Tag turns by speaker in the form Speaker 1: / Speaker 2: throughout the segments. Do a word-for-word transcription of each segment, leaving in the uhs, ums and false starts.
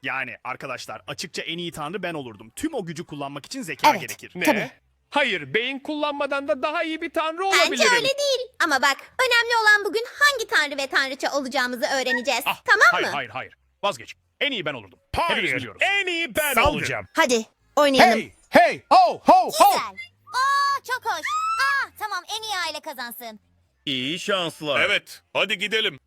Speaker 1: Yani arkadaşlar açıkça en iyi tanrı ben olurdum. Tüm o gücü kullanmak için zeka
Speaker 2: Evet.
Speaker 1: gerekir.
Speaker 3: Ne?
Speaker 2: Tabii.
Speaker 3: Hayır, beyin kullanmadan da daha iyi bir tanrı
Speaker 4: Bence
Speaker 3: olabilirim.
Speaker 4: öyle değil. Ama bak, önemli olan bugün hangi tanrı ve tanrıça olacağımızı öğreneceğiz.
Speaker 1: Ah,
Speaker 4: tamam
Speaker 1: hayır,
Speaker 4: mı?
Speaker 1: hayır hayır. Vazgeç. En iyi ben olurdum. Hepimiz
Speaker 3: Hayır,
Speaker 1: biliyoruz.
Speaker 3: en iyi ben
Speaker 1: Saldır.
Speaker 3: olacağım.
Speaker 2: Hadi oynayalım.
Speaker 5: Hey, hey, ho, ho, ho.
Speaker 4: Güzel. Aa, çok hoş. Aa, tamam, en iyi aile kazansın.
Speaker 6: İyi şanslar. Evet, hadi gidelim.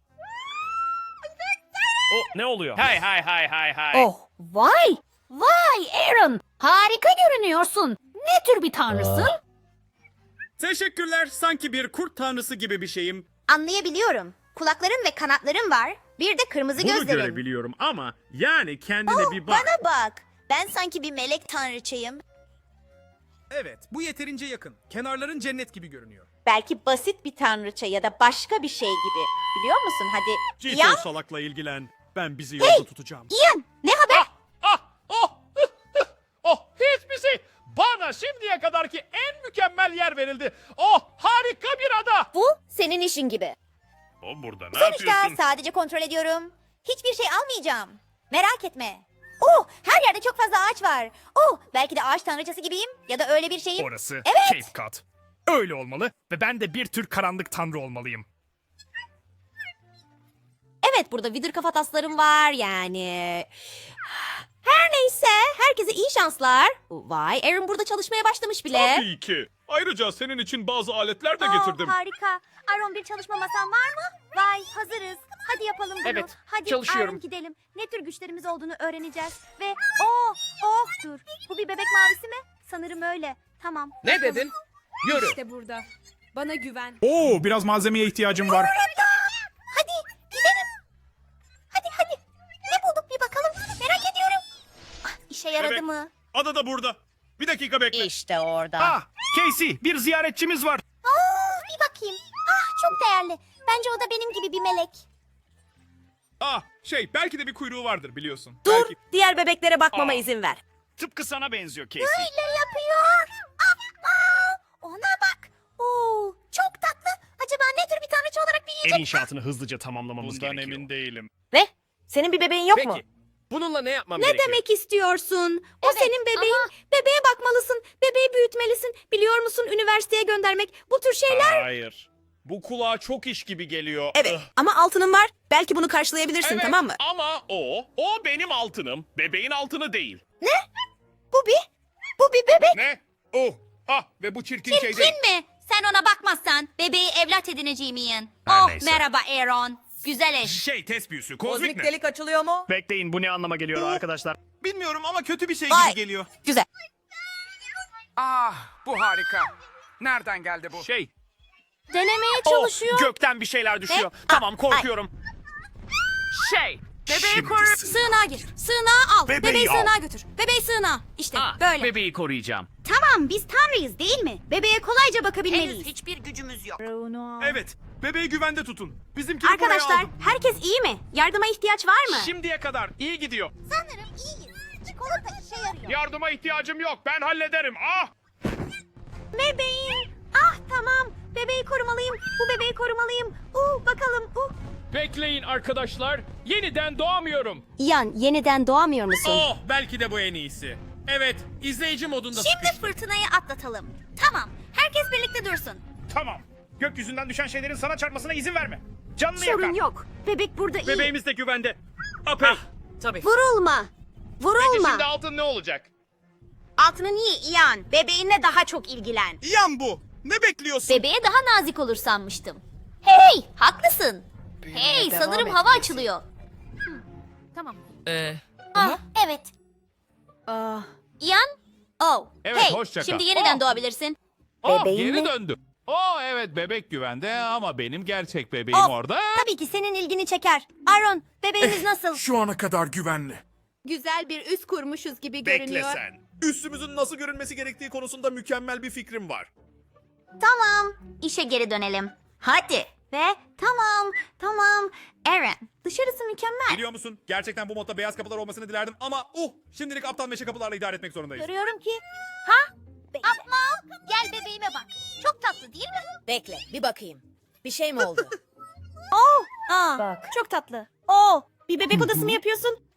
Speaker 1: O ne oluyor? Hay hay hay hay hay.
Speaker 2: Oh, vay! Vay Aaron! Harika görünüyorsun. Ne tür bir tanrısın?
Speaker 7: Teşekkürler. Sanki bir kurt tanrısı gibi bir şeyim.
Speaker 4: Anlayabiliyorum. Kulakların ve kanatların var. Bir de kırmızı
Speaker 7: Bunu
Speaker 4: gözlerin.
Speaker 7: görebiliyorum ama yani kendine
Speaker 4: Oh,
Speaker 7: bir bak.
Speaker 4: bana bak. Ben sanki bir melek tanrıçayım.
Speaker 8: Evet, bu yeterince yakın. Kenarların cennet gibi görünüyor.
Speaker 9: Belki basit bir tanrıça ya da başka bir şey gibi. Biliyor musun? Hadi.
Speaker 7: Cito
Speaker 4: Ya.
Speaker 7: salakla ilgilen. Ben bizi yolda tutacağım.
Speaker 4: Ian, ne haber?
Speaker 3: Ah, oh, oh, hiçbir şey. Bana şimdiye kadarki en mükemmel yer verildi. Oh, harika bir ada.
Speaker 4: Bu senin işin gibi.
Speaker 6: O burada ne
Speaker 4: Sonuçta
Speaker 6: yapıyorsun?
Speaker 4: sadece kontrol ediyorum. Hiçbir şey almayacağım. Merak etme. Oh, her yerde çok fazla ağaç var. Oh, belki de ağaç tanrıçası gibiyim ya da öyle bir şeyim.
Speaker 1: Orası
Speaker 4: Evet.
Speaker 1: Cape Cod. Öyle olmalı ve ben de bir tür karanlık tanrı olmalıyım.
Speaker 4: Evet, burada vidir kafataslarım var yani. Her neyse, herkese iyi şanslar. Vay, Aaron burada çalışmaya başlamış bile.
Speaker 6: Tabii ki. Ayrıca senin için bazı aletler de
Speaker 4: Aa,
Speaker 6: getirdim.
Speaker 4: Harika. Aaron, bir çalışma masan var mı? Vay, hazırız. Hadi yapalım bunu.
Speaker 3: Evet,
Speaker 4: Hadi
Speaker 3: çalışıyorum.
Speaker 4: Aaron, gidelim. Ne tür güçlerimiz olduğunu öğreneceğiz. Ve oh, oh dur. Bu bir bebek mavisi mi? Sanırım öyle. Tamam.
Speaker 3: Ne dedin? Yürü.
Speaker 10: İşte burada. Bana güven.
Speaker 7: Oo, biraz malzemeye ihtiyacım var.
Speaker 4: Hadi gidelim. Hadi hadi. Ne bulduk bir bakalım. Merak ediyorum. Ah, işe yaradı
Speaker 6: Bebek.
Speaker 4: mı?
Speaker 6: Ada da burada. Bir dakika bekle.
Speaker 9: İşte orada.
Speaker 1: Ah, Casey, bir ziyaretçimiz var.
Speaker 4: Aa, bir bakayım. Ah, çok değerli. Bence o da benim gibi bir melek.
Speaker 7: Ah, şey belki de bir kuyruğu vardır biliyorsun.
Speaker 2: Dur,
Speaker 7: Belki...
Speaker 2: diğer bebeklere bakmama
Speaker 1: Aa.
Speaker 2: izin ver.
Speaker 1: Tıpkı sana benziyor Casey.
Speaker 4: Öyle yapıyor. Aa, ona bak. Oo, çok tatlı. Acaba ne tür bir tanrıça olarak büyüyecek?
Speaker 1: Ev inşaatını hızlıca tamamlamamız
Speaker 6: Bundan
Speaker 1: gerekiyor.
Speaker 6: emin değilim.
Speaker 2: Ne? Senin bir bebeğin yok mu?
Speaker 3: Peki, bununla ne yapmam
Speaker 2: Ne
Speaker 3: gerekiyor?
Speaker 2: demek istiyorsun? O
Speaker 4: Evet,
Speaker 2: senin bebeğin. Bebeğe bakmalısın. Bebeği büyütmelisin. Biliyor musun, üniversiteye göndermek. Bu tür şeyler.
Speaker 6: Hayır. Bu kulağa çok iş gibi geliyor.
Speaker 2: Evet ama altının var. Belki bunu karşılayabilirsin,
Speaker 6: Evet,
Speaker 2: tamam mı?
Speaker 6: Ama o, o benim altınım. Bebeğin altını değil.
Speaker 4: Bu bir, bu bir bebek.
Speaker 6: Ne? Oh. Ah ve bu çirkin şey değil.
Speaker 4: Kim mi? Sen ona bakmazsan bebeği evlat edineceğim Ian.
Speaker 1: Her
Speaker 4: Oh,
Speaker 1: neyse.
Speaker 4: merhaba Aaron. Güzel eş.
Speaker 7: Şey test büyüsü. Kozmik, ne?
Speaker 2: delik açılıyor mu?
Speaker 1: Bekleyin, bu ne anlama geliyor arkadaşlar?
Speaker 7: Bilmiyorum ama kötü bir şey
Speaker 2: Vay.
Speaker 7: gibi geliyor.
Speaker 2: Güzel.
Speaker 8: Ah, bu harika. Nereden geldi bu?
Speaker 1: Şey,
Speaker 4: Denemeye
Speaker 1: oh,
Speaker 4: çalışıyor.
Speaker 1: gökten bir şeyler düşüyor.
Speaker 4: Ne?
Speaker 1: Tamam,
Speaker 4: Ah,
Speaker 1: korkuyorum.
Speaker 3: Şey,
Speaker 1: Bebeği
Speaker 4: Sığınağa gir. Sığınağa al.
Speaker 1: Bebeği
Speaker 4: Bebeği
Speaker 1: al.
Speaker 4: sığınağa götür. Bebeği sığınağa. İşte böyle.
Speaker 1: Bebeği koruyacağım.
Speaker 4: Tamam, biz tanrıyız değil mi? Bebeğe kolayca bakabilmeliyiz.
Speaker 9: hiçbir gücümüz yok.
Speaker 7: Evet, bebeği güvende tutun. Bizimkini buraya
Speaker 4: Arkadaşlar,
Speaker 7: aldım.
Speaker 4: herkes iyi mi? Yardıma ihtiyaç var mı?
Speaker 7: Şimdiye kadar iyi gidiyor.
Speaker 4: Sanırım iyiyiz. Çikolata işe yarıyor.
Speaker 6: Yardıma ihtiyacım yok. Ben hallederim. Ah!
Speaker 4: Bebeğim. Ah, tamam. Bebeği korumalıyım. Bu bebeği korumalıyım. Uh, bakalım. Uh.
Speaker 3: bekleyin arkadaşlar. Yeniden doğamıyorum.
Speaker 2: Ian, yeniden doğamıyor musun?
Speaker 7: Oh, belki de bu en iyisi. Evet, izleyici modunda
Speaker 4: Şimdi fırtınayı atlatalım. Tamam. Herkes birlikte dursun.
Speaker 1: Tamam. Gökyüzünden düşen şeylerin sana çarpmasına izin verme. Canını
Speaker 4: Sorun
Speaker 1: yakar.
Speaker 4: yok. Bebek burada iyi.
Speaker 7: Bebeğimiz de güvende. Apey.
Speaker 3: Tabii.
Speaker 4: Vurulma.
Speaker 6: Peki
Speaker 4: Vurulma.
Speaker 6: şimdi altın ne olacak?
Speaker 4: Altını niye Ian? Bebeğinle daha çok ilgilen.
Speaker 7: Yan bu. Ne bekliyorsun?
Speaker 4: Bebeğe daha nazik olur sanmıştım. Hey, haklısın. Hey, sanırım hava açılıyor. Tamam.
Speaker 3: Ee,
Speaker 4: Ah, evet.
Speaker 2: Ah,
Speaker 4: Ian? Oh.
Speaker 6: Evet,
Speaker 4: hey,
Speaker 6: hoşça kal.
Speaker 4: şimdi yeniden
Speaker 6: Oh.
Speaker 4: doğabilirsin.
Speaker 6: Oh,
Speaker 2: Bebeğin
Speaker 6: geri
Speaker 2: mi?
Speaker 6: döndü. Oh evet bebek güvende ama benim gerçek bebeğim
Speaker 4: Oh,
Speaker 6: orada.
Speaker 4: Tabii ki senin ilgini çeker. Aaron, bebeğiniz nasıl?
Speaker 5: Şu ana kadar güvenli.
Speaker 10: Güzel bir üs kurmuşuz gibi
Speaker 6: Bekle
Speaker 10: görünüyor.
Speaker 6: sen.
Speaker 5: Üstümüzün nasıl görünmesi gerektiği konusunda mükemmel bir fikrim var.
Speaker 4: Tamam, işe geri dönelim. Hadi. Ve tamam, tamam. Aaron, dışarısı mükemmel.
Speaker 7: Biliyor musun? Gerçekten bu modda beyaz kapılar olmasını dilerdim ama uh, şimdilik aptal meşe kapılarla idare etmek zorundayız.
Speaker 4: Görüyorum ki. Ha? Apma, gel bebeğime bak. Çok tatlı değil mi?
Speaker 2: bekle, bir bakayım. Bir şey mi oldu?
Speaker 4: Oh, aa,
Speaker 2: Bak.
Speaker 4: çok tatlı.
Speaker 2: Oo, bir bebek odası mı yapıyorsun?